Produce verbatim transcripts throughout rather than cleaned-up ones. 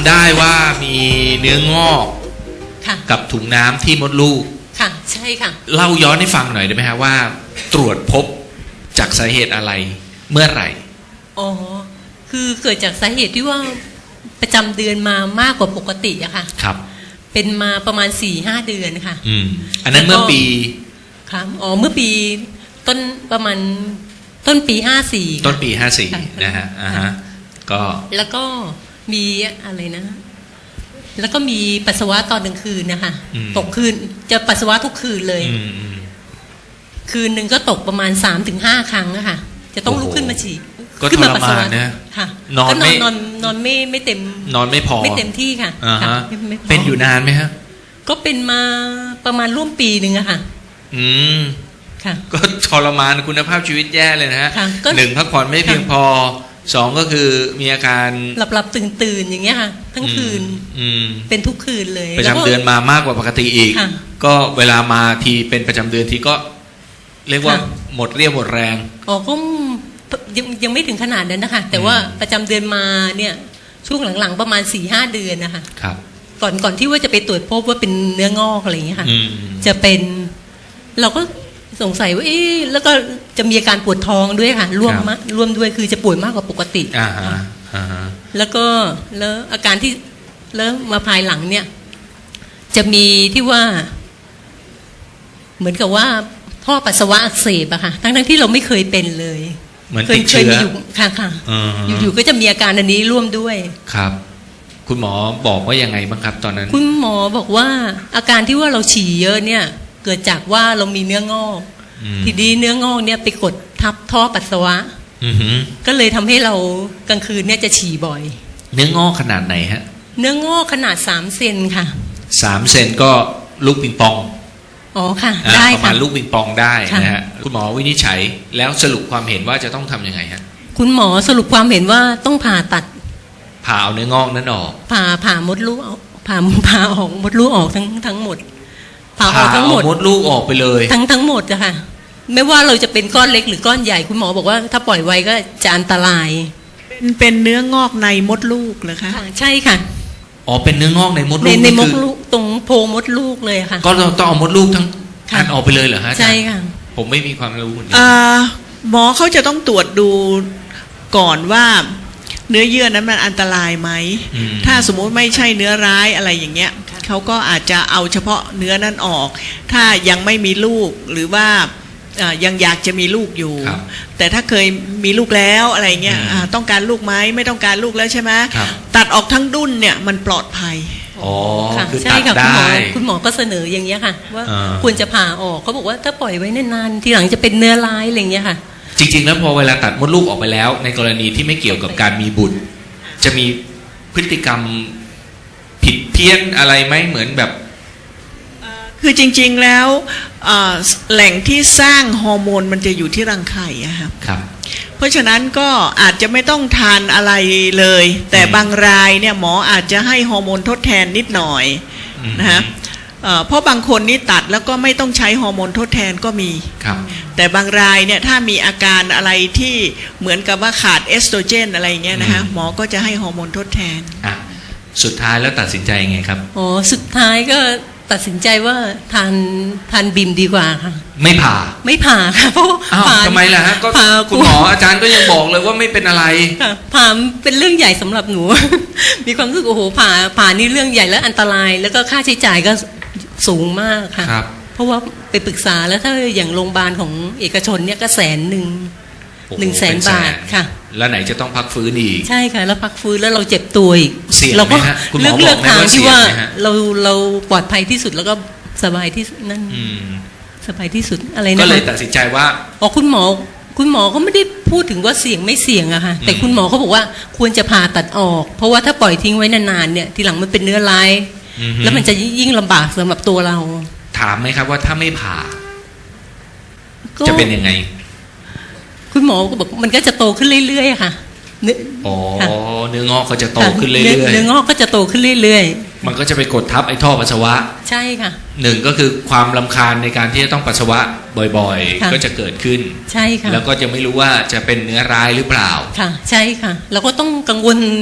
ำได้ว่ามีเนื้องอกกับถุงน้ำที่มดลูกค่ะใช่ค่ะเล่าย้อนให้ฟังหน่อยได้ไหมฮะว่าตรวจพบจากสาเหตุอะไรเมื่อไหร่อ๋อคือเกิดจากสาเหตุที่ว่าประจำเดือนมามากกว่าปกติอะค่ะครับเป็นมาประมาณ สี่ห้า เดือนค่ะอืมอันนั้นเมื่อปีครับอ๋อเมื่อปีต้นประมาณต้นปีห้าสี่ต้นปีห้าสี่นะฮะอ่าฮะก็แล้วก็มีอะไรนะแล้วก็มีปัสสาวะตอนกลางคืนนะคะตกคืนจะปัสสาวะทุกคืนเลยคืนหนึ่งก็ตกประมาณ สามถึงห้า ครั้งอะค่ะจะต้องลุกขึ้นมาฉี่ก็ทรมานนะค่ะนอนไม่นอนนอนไม่ไม่เต็มนอนไม่พอไม่เต็มที่ค่ะเป็นอยู่นานไหมฮะก็เป็นมาประมาณร่วมปีหนึ่งอะค่ะอืมค่ะก็ทรมานคุณภาพชีวิตแย่เลยนะฮะหนึ่งพักผ่อนไม่เพียงพอสองก็คือมีอาการหลับหลับตื่นตื่นอย่างเงี้ยค่ะทั้งคืนเป็นทุกคืนเลยประจำเดือนมามากกว่าปกติอีกก็เวลามาทีเป็นประจำเดือนทีก็เรียกว่าหมดเรี่ยวหมดแรงอ๋อก็ยังยังไม่ถึงขนาดนั้นนะคะแต่ว่าประจำเดือนมาเนี่ยช่วงหลังๆประมาณ สี่ห้า เดือนนะคะครับก่อนก่อนที่ว่าจะไปตรวจพบว่าเป็นเนื้องอกอะไรอย่างเงี้ยค่ะจะเป็นเราก็สงสัยว่าเอ๊ะแล้วก็จะมีอาการปวดท้องด้วยค่ะร่วมมาร่วมด้วยคือจะปวดมากกว่าปกติอ่าฮะอ่าฮะแล้วก็แล้วอาการที่แล้วมาภายหลังเนี่ยจะมีที่ว่าเหมือนกับว่าท่อปัสสาวะอักเสบอะค่ะทั้งทั้งที่เราไม่เคยเป็นเลยเหมือนติดเชื้ออยู่ค่ะค่ะอยู่ๆก็จะมีอาการอันนี้ร่วมด้วยครับคุณหมอบอกว่ายังไงบ้างครับตอนนั้นคุณหมอบอกว่าอาการที่ว่าเราฉี่เยอะเนี่ยเกิดจากว่าเรามีเนื้องอกทีนี้เนื้องอกเนี่ยไปกดทับท่อปัสสาวะก็เลยทำให้เรากลางคืนเนี่ยจะฉี่บ่อยเนื้องอกขนาดไหนฮะเนื้องอกขนาดสามเซนค่ะสามเซนก็ลูกปิงปองอ๋อค่ะได้ค่ะประมาณลูกปิงปองได้นะฮะคุณหมอวินิจฉัยแล้วสรุปความเห็นว่าจะต้องทำยังไงฮะคุณหมอสรุปความเห็นว่าต้องผ่าตัดผ่าเอาเนื้องอกนั้นออกผ่าผ่ามดลูกออกผ่าผ่าออกมดลูกออกทั้งทั้งหมดผ่าออกทั้งหมดมดลูกออกไปเลยทั้งทั้งหมดอะค่ะไม่ว่าเราจะเป็นก้อนเล็กหรือก้อนใหญ่คุณหมอบอกว่าถ้าปล่อยไว้ก็จะอันตรายเป็นเป็นเนื้องอกในมดลูกเหรอคะใช่ค่ะอ๋อเป็นเนื้องอกในมดลูกในมดลูกตรงโพรงมดลูกเลยค่ะก็ต้องเอามดลูกทั้งอันออกไปเลยเหรอฮะใช่ค่ะผมไม่มีความรู้อ่าหมอเขาจะต้องตรวจดูก่อนว่าเนื้อเยื่อนั้นมันอันตรายไหมถ้าสมมุติไม่ใช่เนื้อร้ายอะไรอย่างเงี้ยเขาก็อาจจะเอาเฉพาะเนื้อนั้นออกถ้ายังไม่มีลูกหรือว่ายังอยากจะมีลูกอยู่แต่ถ้าเคยมีลูกแล้วอะไรเงี้ยต้องการลูกไหมไม่ต้องการลูกแล้วใช่ไหมตัดออกทั้งดุ้นเนี่ยมันปลอดภัยอ๋อคือตัดได้คุณหมอก็เสนออย่างเงี้ยค่ะว่าควรจะผ่าออกเขาบอกว่าถ้าปล่อยไว้นานๆทีหลังจะเป็นเนื้อร้ายอะไรเงี้ยค่ะจริงๆแล้วพอเวลาตัดมดลูกออกไปแล้วในกรณีที่ไม่เกี่ยวกับการมีบุตรจะมีพฤติกรรมผิดเพี้ยนอะไรไหมเหมือนแบบคือจริงๆแล้วแหล่งที่สร้างฮอร์โมนมันจะอยู่ที่รังไข่อะครับครับเพราะฉะนั้นก็อาจจะไม่ต้องทานอะไรเลยแต่บางรายเนี่ยหมออาจจะให้ฮอร์โมนทดแทนนิดหน่อยนะฮะเพราะบางคนนี่ตัดแล้วก็ไม่ต้องใช้ฮอร์โมนทดแทนก็มีแต่บางรายเนี่ยถ้ามีอาการอะไรที่เหมือนกับว่าขาดเอสโตรเจนอะไรเงี้ยนะคะหมอก็จะให้ฮอร์โมนทดแทนอ่ะสุดท้ายแล้วตัดสินใจยังไงครับอ๋อสุดท้ายก็ตัดสินใจว่าทานทานบิมดีกว่าค่ะไม่ผ่าไม่ผ่าค่ะเพราะผ่าทำไมล่ะฮะก็คุณหมออาจารย์ก็ยังบอกเลยว่าไม่เป็นอะไรค่ะผ่าเป็นเรื่องใหญ่สำหรับหนูมีความรู้สึกโอ้โหผ่าผ่านี่เรื่องใหญ่และอันตรายแล้วก็ค่าใช้จ่ายก็สูงมากค่ะเพราะว่าไปปรึกษาแล้วถ้าอย่างโรงพยาบาลของเอกชนเนี่ยก็แสนหนึ่งหนึ่งแสนบาทค่ะแล้วไหนจะต้องพักฟื้นอีกใช่ค่ะแล้วพักฟื้นแล้วเราเจ็บตัวอีกเราก็เลือกเลือกทางที่ว่าเราเราปลอดภัยที่สุดแล้วก็สบายที่นั่นสบายที่สุดอะไรนะก็เลยตัดสินใจว่าอ๋อคุณหมอคุณหมอเขาไม่ได้พูดถึงว่าเสี่ยงไม่เสี่ยงอะค่ะแต่คุณหมอเขาบอกว่าควรจะผ่าตัดออกเพราะว่าถ้าปล่อยทิ้งไว้นานๆเนี่ยทีหลังมันเป็นเนื้อร้ายแล้วมันจะยิ่งลำบากสำหรับตัวเราถามไหมครับว่าถ้าไม่ผ่าจะเป็นยังไงคุณหมอก็บอกมันก็จะโตขึ้นเรื่อยๆค่ะอ๋อเนื้องอกก็จะโตขึ้นเรื่อยๆเนื้องอกก็จะโตขึ้นเรื่อยๆมันก็จะไปกดทับไอ้ท่อปัสสาวะใช่ค่ะหนึ่งก็คือความรำคาญในการที่จะต้องปัสสาวะบ่อยๆก็จะเกิดขึ้นใช่ค่ะแล้วก็จะไม่รู้ว่าจะเป็นเนื้อร้ายหรือเปล่าค่ะใช่ค่ะแล้วก็ต้องกังวล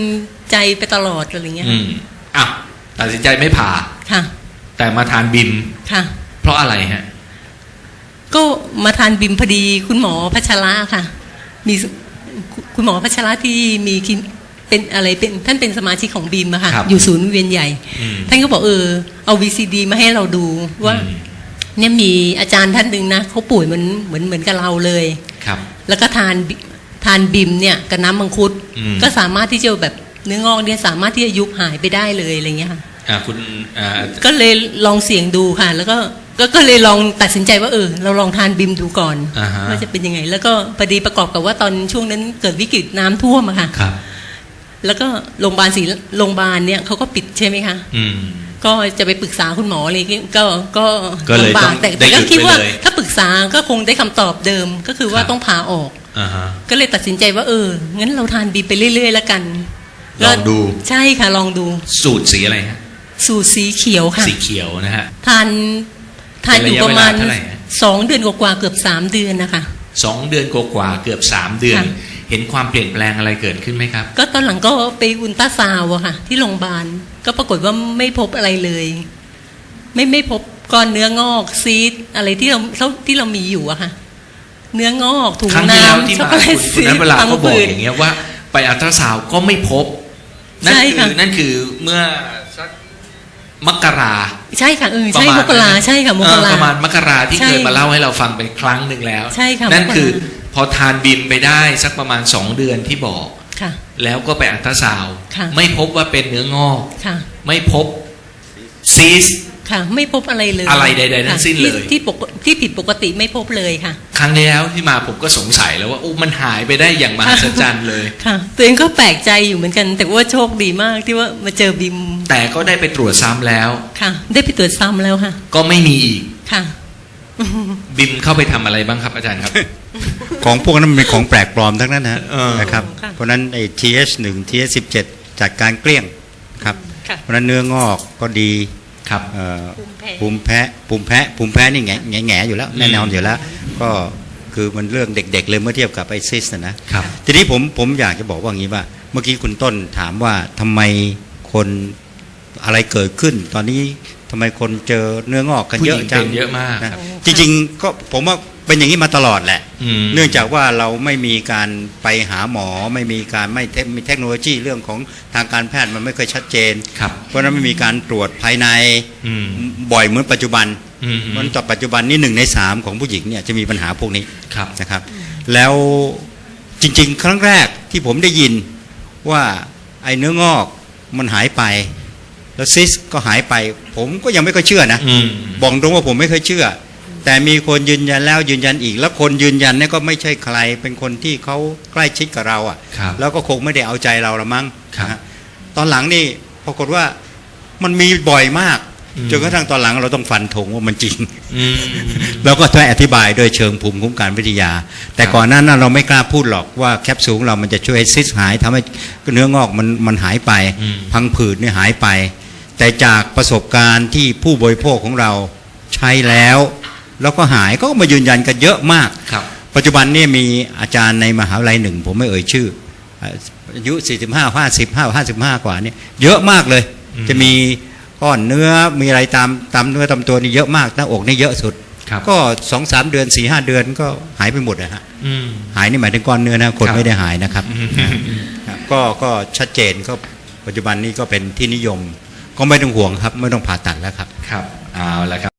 ใจไปตลอดอะไรเงี้ยอืมอ่ะตัดสินใจไม่ผ่าค่ะแต่มาทานบิมค่ะเพราะอะไรฮะก็มาทานบิมพอดีคุณหมอพัชระค่ะ มีคุณหมอพัชระที่มีคลินเป็นอะไรเป็นท่านเป็นสมาชิกของบิมอะค่ะครับอยู่ศูนย์เวียนใหญ่อืมท่านก็บอกเออเอา วี ซี ดี มาให้เราดูว่าอืมเนี่ยมีอาจารย์ท่านหนึ่งนะเขาป่วยเหมือนเหมือนเหมือนกับเราเลยครับแล้วก็ทานบิทานบิมเนี่ยกับน้ำมังคุดอืมก็สามารถที่จะแบบเนื้องอกเนี่ยสามารถที่จะยุบหายไปได้เลยอะไรเงี้ยค่ะอ่าคุณอ่าก็เลยลองเสี่ยงดูค่ะ แล้วก็ก็ก็เลยลองตัดสินใจว่าเออเราลองทานบิมดูก่อนอ่าฮะว่าจะเป็นยังไง แล้วก็พอดีประกอบกับว่าตอนช่วงนั้นเกิดวิกฤตน้ำท่วมอะค่ะครับแล้วก็โรงพยาบาลศรีโรงพยาบาลเนี่ยเขาก็ปิดใช่ไหมคะอืมก็จะไปปรึกษาคุณหมออะไรเงี้ยก็ก็ก็เลยลำบาต้องแต่ได้แต่หยุก็ดคิดว่าไปเลยถ้าปรึกษาก็คงได้คำตอบเดิมก็คือว่าครับต้องผ่าออกอ่าฮะก็เลยตัดสินใจว่าเอองั้นเราทานบีไปเรื่อยๆแล้วกันลองดูใช่ค่ะลองดูสูตรสีอะไรฮะสูตรสีเขียวค่ะสีเขียวนะฮะทานทานอยู่ประมาณเป็นระยะเวลาเท่าไหร่ฮะสองเดือนกว่าๆเกือบสามเดือนนะคะสองเดือนกว่าๆเกือบสามเดือนค่ะเห็นความเปลี่ยนแปลงอะไรเกิดขึ้นไหมครับก็ตอนหลังก็ไปอุลตราซาวด์อะค่ะ ที่โรงพยาบาลก็ปรากฏว่าไม่พบอะไรเลย ไม่ไม่พบก้อนเนื้องอกซีดอะไรที่เราที่เรามีอยู่อะค่ะ เนื้องอกถุงครั้งที่แล้วน้ำที่ช็อกมาโกแลตคุณซีนัดทเวลาพังก็บอกผืดอย่างเงี้ยว่าไปอัลตราซาวด์ก็ไม่พบ นั่นใช่คืค่ะอนั่นคือเมื่อสักมกราใช่ค่ะเออประใช่มาณมกรานั้นใช่ค่ะมเอก อราประมาณมกราที่ใช่เคยมาเล่าให้เราฟังเป็นครั้งหนึ่งแล้วใช่ค่ะนั่นมกราคือพอทานบิมไปได้สักประมาณสองเดือนที่บอกค่ะแล้วก็ไปอัลตราซาวด์ค่ะไม่พบว่าเป็นเนื้องอกค่ะไม่พบซีสค่ะ ไม่พบอะไรเลยอะไรใดๆทั้งสิ้นเลยที่ที่ปกที่ผิดปกติไม่พบเลยค่ะครั้งที่แล้วที่มาผมก็สงสัยแล้วว่าโอ้มันหายไปได้อย่างมหัศจรรย์เลยค่ะ ตัวเองก็แปลกใจอยู่เหมือนกัน แต่ว่าโชคดีมากที่ว่ามาเจอบิมแต่ก็ได้ไปตรวจซ้ำแล้วค่ะ ได้ไปตรวจซ้ำแล้วค่ะก็ไม่มีอีกค่ะบิมเข้าไปทำอะไรบ้างครับอาจารย์ครับของพวกนั้นมันเป็นของแปลกปลอมทั้งนั้นนะเออนะครับค่ะเพราะฉะนั้นไอ้ ที เอช หนึ่ง ที เอช สิบเจ็ด จัดการเกลี้ยงครับค่ะเพราะฉะนั้นเนื้องอกก็ดีครับเอ่อภูมิแพ้ภูมิแพ้ภูมิแพ้ภูมิแพ้นี่แง่แง่แง่อยู่แล้วอืมแน่นอนอยู่แล้ว ก็คือมันเรื่องเด็ก ๆ เลยเมื่อเทียบกับไอซิสนะนะครับ ทีนี้ผมผมอยากจะบอกว่าอย่างนี้ว่า เมื่อกี้คุณต้นถามว่าทำไมคนอะไรเกิดขึ้น ตอนนี้ทำไมคนเจอเนื้องอกกันผู้เยหอะญิงจัเป็งนเยอะมากนะครับ จริงๆก็ผมว่าเป็นอย่างนี้มาตลอดแหละอืมเนื่องจากว่าเราไม่มีการไปหาหมอไม่มีการไม่เทคมีเทคโนโลยีเรื่องของทางการแพทย์มันไม่เคยชัดเจนครับเพราะฉะนั้นไม่มีการตรวจภายในอืมบ่อยเหมือนปัจจุบันอืมเพราะฉะนั้นต่อปัจจุบันนี้หนึ่งในสามของผู้หญิงเนี่ยจะมีปัญหาพวกนี้ครับนะครับ แล้วจริงๆ ครั้งแรกที่ผมได้ยินว่าไอ้เนื้องอกมันหายไป แล้วซิสก็หายไป ผมก็ยังไม่ค่อยเชื่อนะอืมบอกตรงว่าผมไม่เคยเชื่อ แต่มีคนยืนยันแล้วยืนยันอีก แล้วคนยืนยันเนี่ยก็ไม่ใช่ใครเป็นคนที่เขาใกล้ชิดกับเราอ่ะครับแล้วก็คงไม่ได้เอาใจเราละมั้งครับนะฮะตอนหลังนี่ปรากฏว่ามันมีบ่อยมากอืมจนกระทั่งตอนหลังเราต้องฟันธงว่ามันจริงอืมแล้วก็ต้องอธิบายโดยเชิงภูมิคุ้มกันวิทยา แต่ครับก่อนหน้านั้นเราไม่กล้าพูดหรอกว่าแคปซูลของเรามันจะช่วยให้ซิสหายทำให้เนื้องอกมันมันหายไปอืมพังผืดเนี่ยหายไป แต่จากประสบการณ์ที่ผู้บริโภคของเราใช้แล้ว แล้วก็หายก็มายืนยันกันเยอะมากครับปัจจุบันเนี่ยมีอาจารย์ในมหาวิทยาลัยหนึ่ง ผมไม่เอ่ยชื่ออายุสี่สิบห้า ห้าสิบห้า ห้าสิบห้ากว่าเนี่ยเยอะมากเลยอืมจะมีก้อนเนื้อมีอะไรตามตามเนื้อตามตัวนี่เยอะมากหน้าอกนี่เยอะสุดครับก็สองสามเดือนสี่ห้าเดือนก็หายไปหมดนะฮะอืมหายนี่หมายถึงก้อนเนื้อนะคนครับไม่ได้หายนะครับอืมครับก็ก็ชัดเจนก็ปัจจุบันนี้ก็เป็นที่นิยม ก็ไม่ต้องห่วงครับไม่ต้องผ่าตัดแล้วครับครับเอาละครับ